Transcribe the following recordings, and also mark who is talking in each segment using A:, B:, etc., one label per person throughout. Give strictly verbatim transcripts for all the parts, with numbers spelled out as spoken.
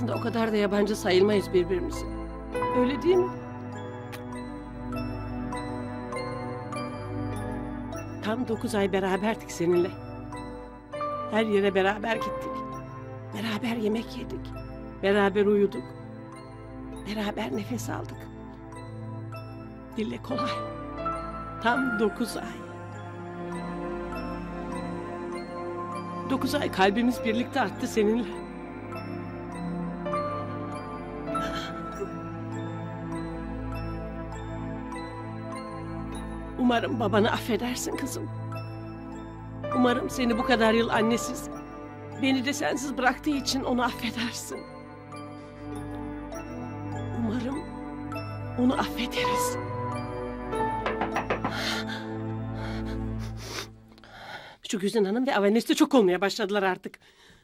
A: Aslında o kadar da yabancı sayılmayız birbirimize. Öyle değil mi? Tam dokuz ay beraberdik seninle. Her yere beraber gittik. Beraber yemek yedik. Beraber uyuduk. Beraber nefes aldık. Dille kolay. Tam dokuz ay. Dokuz ay kalbimiz birlikte attı seninle. Umarım babanı affedersin kızım. Umarım seni bu kadar yıl annesiz, beni de sensiz bıraktığı için onu affedersin. Umarım onu affederiz. Şu Güzin Hanım ve Avanes'te çok olmaya başladılar artık.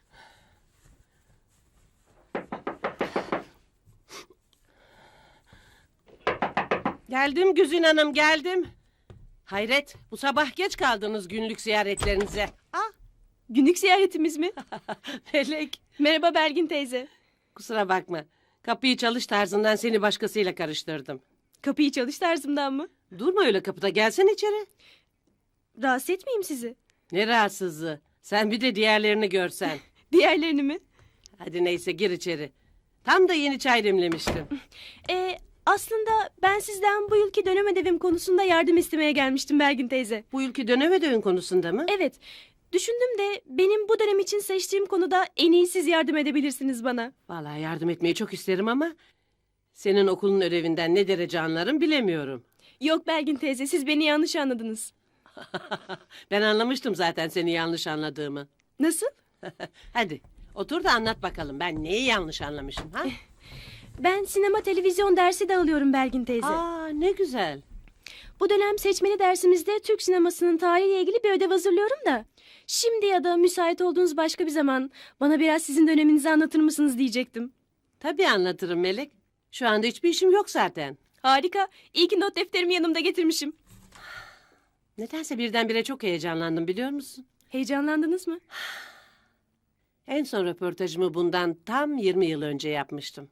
A: Geldim Güzin Hanım, geldim. Hayret, bu sabah geç kaldınız günlük ziyaretlerinize.
B: Ah, günlük ziyaretimiz mi?
A: Melek,
B: Merhaba Belgin teyze.
A: kusura bakma. Kapıyı çalış tarzından seni başkasıyla karıştırdım.
B: Kapıyı çalış tarzımdan mı?
A: Durma öyle kapıda, gelsene içeri.
B: Rahatsız etmeyeyim sizi.
A: Ne rahatsızlığı. Sen bir de diğerlerini görsen.
B: Diğerlerini mi?
A: Hadi neyse, gir içeri. Tam da yeni çay demlemiştim.
B: Ee, aslında ben sizden bu yılki dönem ödevim konusunda yardım istemeye gelmiştim Belgin teyze.
A: Bu ülke dönem ödevin konusunda mı?
B: Evet, düşündüm de benim bu dönem için seçtiğim konuda en iyi siz yardım edebilirsiniz bana.
A: Vallahi yardım etmeyi çok isterim ama... senin okulun ödevinden ne derece anlarım bilemiyorum.
B: Yok Belgin teyze, siz beni yanlış anladınız.
A: Ben anlamıştım zaten seni yanlış anladığımı.
B: Nasıl?
A: Hadi otur da anlat bakalım, ben neyi yanlış anlamışım ha?
B: Ben sinema televizyon dersi de alıyorum Belgin teyze.
A: Aa, ne güzel.
B: Bu dönem seçmeli dersimizde Türk sinemasının tarihiyle ilgili bir ödev hazırlıyorum da. Şimdi ya da müsait olduğunuz başka bir zaman bana biraz sizin döneminizi anlatır mısınız diyecektim.
A: Tabii anlatırım Melek. Şu anda hiçbir işim yok zaten.
B: Harika. İyi ki not defterimi yanımda getirmişim.
A: Nedense birdenbire çok heyecanlandım, biliyor musun?
B: Heyecanlandınız mı?
A: En son röportajımı bundan tam yirmi yıl önce yapmıştım.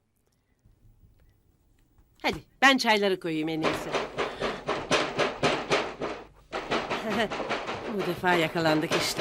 A: Hadi ben çayları koyayım en iyisi. Bu defa yakalandık işte.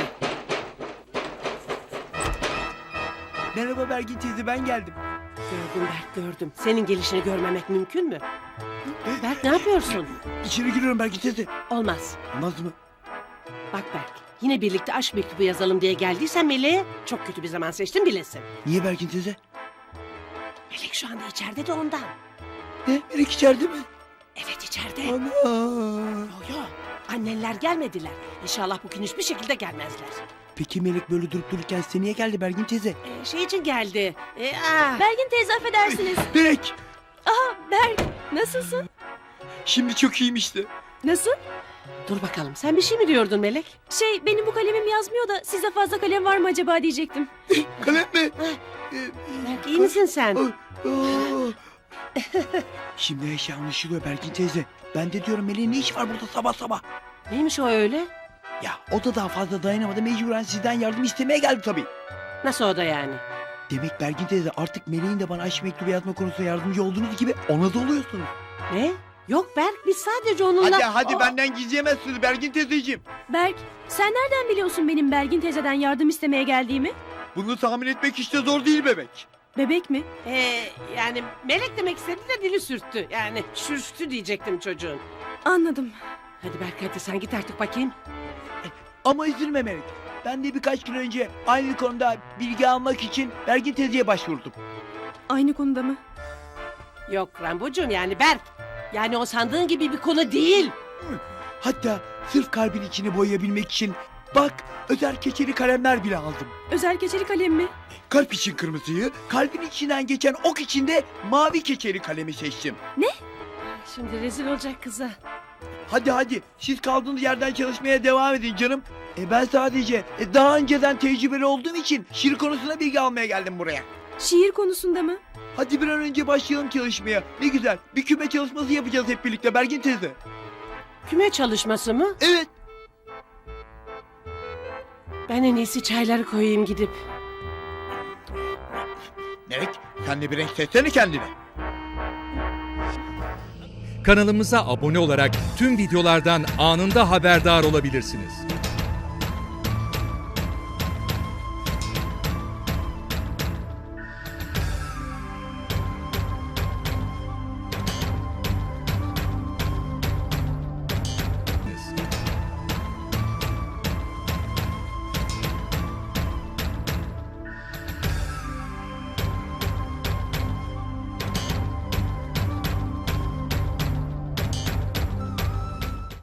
C: Merhaba Belgin teyze, ben geldim.
A: Gördüm Berk, gördüm. Senin gelişini görmemek mümkün mü? Berk, ne yapıyorsun?
C: İçeri giriyorum Belgin teyze.
A: Olmaz.
C: Olmaz mı?
A: Bak Berk, yine birlikte aşk mektubu yazalım diye geldiysen Melek'e çok kötü bir zaman seçtin bilesin.
C: Niye Belgin teyze?
A: Melek şu anda içeride de ondan.
C: Ne? Melek içeride mi?
A: Evet, içeride.
C: Ana.
A: Yo yo, annenler gelmediler. İnşallah bugün hiçbir şekilde gelmezler.
C: Peki Melek böyle durup dururken size niye geldi Belgin teyze?
A: Ee, şey için geldi. Ee, ah.
B: Belgin teyze affedersiniz.
C: Melek!
B: Aha Berk, nasılsın?
C: Şimdi çok iyiyim işte.
B: Nasıl?
A: Dur bakalım, sen bir şey mi diyordun Melek?
B: Şey, benim bu kalemim yazmıyor da sizde fazla kalem var mı acaba diyecektim.
C: Kalem mi?
A: Ah.
C: Ee,
A: Berk, iyi misin sen?
C: Aa, aa. Şimdi her şey anlaşılıyor Belgin teyze. Ben de diyorum Melek'in ne işi var burada sabah sabah?
A: Neymiş o öyle?
C: Ya o da daha fazla dayanamadı, mecburen sizden yardım istemeye geldi tabii.
A: Nasıl o da yani?
C: Demek Belgin teyze artık Melek'in de bana aşk mektubu yazma konusunda yardımcı olduğunuz gibi ona da oluyorsunuz.
A: Ne? Yok Berk, biz sadece onunla...
C: Hadi hadi
A: Aa,
C: benden gizleyemezsiniz Belgin teyzeciğim.
B: Berk, sen nereden biliyorsun benim Belgin teyzeden yardım istemeye geldiğimi?
C: Bunu tahmin etmek işte zor değil bebek.
B: Bebek mi?
A: Ee, yani Melek demek istedi de dili sürttü. Yani sürçtü diyecektim çocuğun.
B: Anladım.
A: Hadi Berk, hadi sen git artık bakayım.
C: Ama üzülme Melek. Ben de birkaç gün önce aynı konuda bilgi almak için Belgin teyzeye başvurdum.
B: Aynı konuda mı?
A: Yok Rambocuğum, yani Berk. Yani o sandığın gibi bir konu değil.
C: Hatta sırf kalbin içini boyayabilmek için bak özel keçeli kalemler bile aldım.
B: Özel keçeli kalem mi?
C: Kalp için kırmızıyı, kalbin içinden geçen ok için de mavi keçeli kalemi seçtim.
A: Şimdi rezil olacak kıza.
C: Hadi hadi siz kaldığınız yerden çalışmaya devam edin canım. E ben sadece e, daha önceden tecrübeli olduğum için şiir konusunda bilgi almaya geldim buraya.
B: Şiir konusunda mı?
C: Hadi bir an önce başlayalım çalışmaya. Ne güzel bir küme çalışması yapacağız hep birlikte Belgin teyze.
A: Küme çalışması mı?
C: Evet.
A: Ben en iyisi çayları koyayım gidip.
C: Melek Sen de bir renk seçsene kendine.
D: Kanalımıza abone olarak tüm videolardan anında haberdar olabilirsiniz.